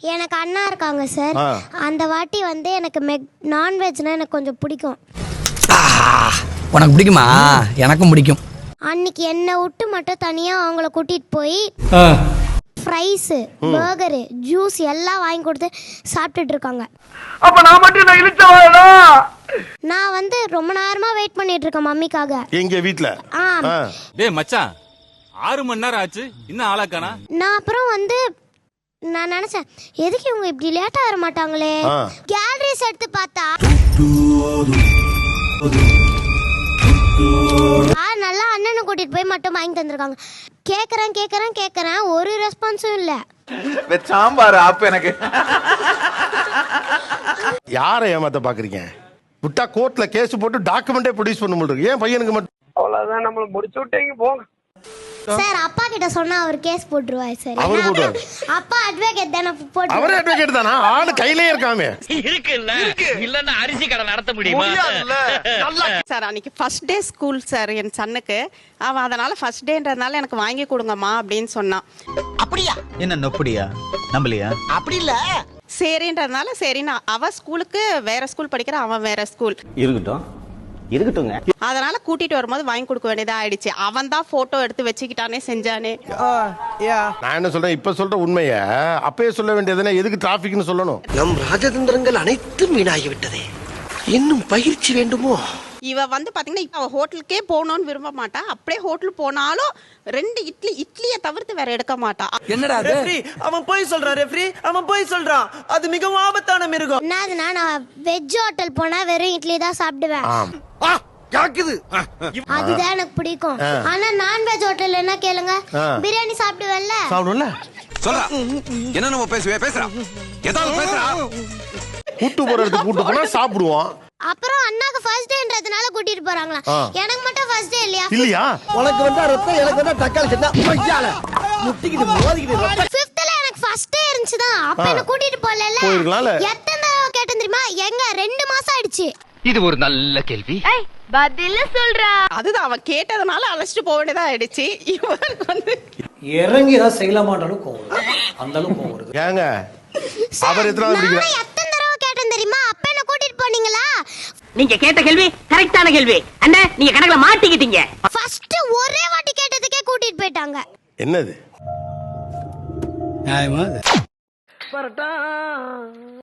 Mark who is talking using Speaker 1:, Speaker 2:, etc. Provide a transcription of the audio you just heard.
Speaker 1: எனக்கு அண்ணா இருக்காங்க சார். அந்த வாட்டி வந்து எனக்கு நான்வெஜ்னா எனக்கு கொஞ்சம் பிடிக்கும்.
Speaker 2: உனக்கு பிடிக்குமா? எனக்கும் பிடிக்கும்.
Speaker 1: அன்னைக்கு என்னை விட்டு மட்டும் தனியாக அவங்கள கூட்டிகிட்டு போய் ஃப்ரைஸு பர்கரு ஜூஸ் எல்லாம் வாங்கி கொடுத்து சாப்பிட்டுட்டு இருக்காங்க.
Speaker 3: அப்ப நான் மட்டும் இழுச்சவாடா.
Speaker 1: நான் வந்து ரொம்ப நேரமா வெயிட் பண்ணிட்டு இருக்கேன் மம்மிக்காக.
Speaker 4: எங்க வீட்ல?
Speaker 5: டேய் மச்சான் 6 மணி நேரம் ஆச்சு இன்னும் ஆளாக்கானா.
Speaker 1: நான் அப்புறம் வந்து நான் நினைச்சேன் எதுக்கு இவங்க இப்படி லேட்டா வர மாட்டாங்களே. கேலரிஸ் எடுத்து பார்த்தா நல்லா அண்ணனை கூட்டிட்டு போய் மட்டும் வாங்கி தந்திருக்காங்க. கேக்குறேன் ஒரு ரெஸ்பான்ஸும் இல்ல.
Speaker 3: சாம்பார் ஆப் எனக்கு.
Speaker 4: யாரை ஏமாத்த பாக்குறீங்க? விட்டா கோர்ட்ல கேஸ் போட்டு டாக்குமெண்டே ப்ரொடியூஸ் பண்ண முடியும். ஏன் பையனுக்கு மட்டும்?
Speaker 3: அவ்வளவுதான், நம்மள முடிச்சு விட்டீங்க போங்க
Speaker 1: சார். அப்பா கிட்ட சொன்னா அவர் கேஸ் போட்டுருவாரு சார். அப்பா அட்வொகேட் தானே போட்டு.
Speaker 4: அவரே அட்வொகேட் தானா? ஆளு கையிலே இருக்காமே.
Speaker 6: இல்லன்னா அரிசி கடை நடத்த முடியுமா
Speaker 7: சார்? அன்னைக்கு ஃபர்ஸ்ட் டே ஸ்கூல் சார் என் சன்னுக்கு. அவன் அதனால ஃபர்ஸ்ட் டேன்றதுனால எனக்கு வாங்கி கொடுங்கம்மா அப்படின்னு சொன்னான்.
Speaker 6: அப்படியா? என்ன நொப்படியா? நம்பலையா? அப்படி இல்ல.
Speaker 7: சரின்றதுனால சரின்னு அவ ஸ்கூலுக்கு வேற ஸ்கூல் படிக்கிற, அவன் வேற ஸ்கூல்.
Speaker 6: இருக்கட்டுங்க.
Speaker 7: அதனால கூட்டிட்டு வரும்போது வாங்கி கொடுக்க வேண்டியதா ஆயிடுச்சு. அவன் தான் போட்டோ எடுத்து வச்சுக்கிட்டானே செஞ்சானே.
Speaker 4: நான் என்ன சொல்றேன், இப்ப சொல்ற உண்மைய அப்பயே சொல்ல வேண்டியதுன்னா எதுக்கு டிராபிக்னு சொல்லணும்?
Speaker 8: நம் ராஜதந்திரங்கள் அனைத்தும் வீணாகி விட்டதே. இன்னும் பயிற்சி வேண்டுமோ?
Speaker 7: இவ வந்து பாத்தீங்கன்னா அவ ஹோட்டலுக்கே போகணும்னு விரும்ப மாட்டா. அப்படியே ஹோட்டல் போனாலும் 2 இட்லியை தவிர்த்து வேற எடுக்க மாட்டா.
Speaker 8: என்னடா ரெஃப்ரி அவன் போய் சொல்றான். ரெஃப்ரி அவன் போய் சொல்றான். அது மிகவும் ஆபத்தான மிருகம்.
Speaker 1: என்னதுன்னா நான் வெஜ் ஹோட்டல் போனா வெறும் இட்லி தான் சாப்பிடுவேன். அதுதான் எனக்கு பிடிக்கும். ஆனா நான்வெஜ் ஹோட்டல் என்ன கேளுங்க, பிரியாணி சாப்பிடுவேன்ல.
Speaker 4: சாப்பிடுவல
Speaker 5: சொல்றா என்ன நம்ம பேசுறா ஏதாவது பேசுறா.
Speaker 4: கூட்டு போறதுக்கு கூட்டு போனா சாப்பிடுவோம்.
Speaker 1: அப்புறம் அண்ணாக்கு ஃபர்ஸ்ட் டேன்றதுனால கூட்டிட்டு போறாங்களா? எனக்கு மட்டும் ஃபர்ஸ்ட் டே இல்லையா?
Speaker 8: உனக்கு வந்தா ரத்தம், எனக்கு வந்தா தக்காளி சட்னா பையால முட்டிக்கிட்டு மோதிக்கிட்டு.
Speaker 1: 5th எனக்கு ஃபர்ஸ்ட் டே இருந்துச்சுதான். அப்ப என்ன கூட்டிட்டு போறல. எத்தனை தடவை கேட்டேன் தெரியுமா? எங்க 2 மாசம் ஆயிடுச்சு.
Speaker 6: இது ஒரு நல்ல கேள்வி.
Speaker 1: பதில சொல்றா.
Speaker 7: அதுதான் அவன் கேட்டதுனால அழைச்சிட்டு போக வேண்டியதா ஆயிடுச்சு. இவருக்கு வந்து
Speaker 2: இறங்கி ஏதாவது செய்யலாமான்றாலும் கோவம் வருது. அந்த அளவுக்கு கோவம் வருது.
Speaker 4: ஏங்க அவர் எத்தனை
Speaker 1: எத்தனை தடவை கேட்டேன் தெரியுமா? அப்ப என்ன கூட்டிட்டு போனீங்களா?
Speaker 6: நீங்க கேட்ட கேள்வி கரெக்டான கேள்வி. அண்ணா நீங்க கணக்குல மாட்டிக்கிட்டீங்க.
Speaker 1: ஃபர்ஸ்ட் ஒரே வாட்டி கேட்டதுக்கே கூட்டிட்டு போயிட்டாங்க.
Speaker 4: என்னது
Speaker 2: நியாயமா?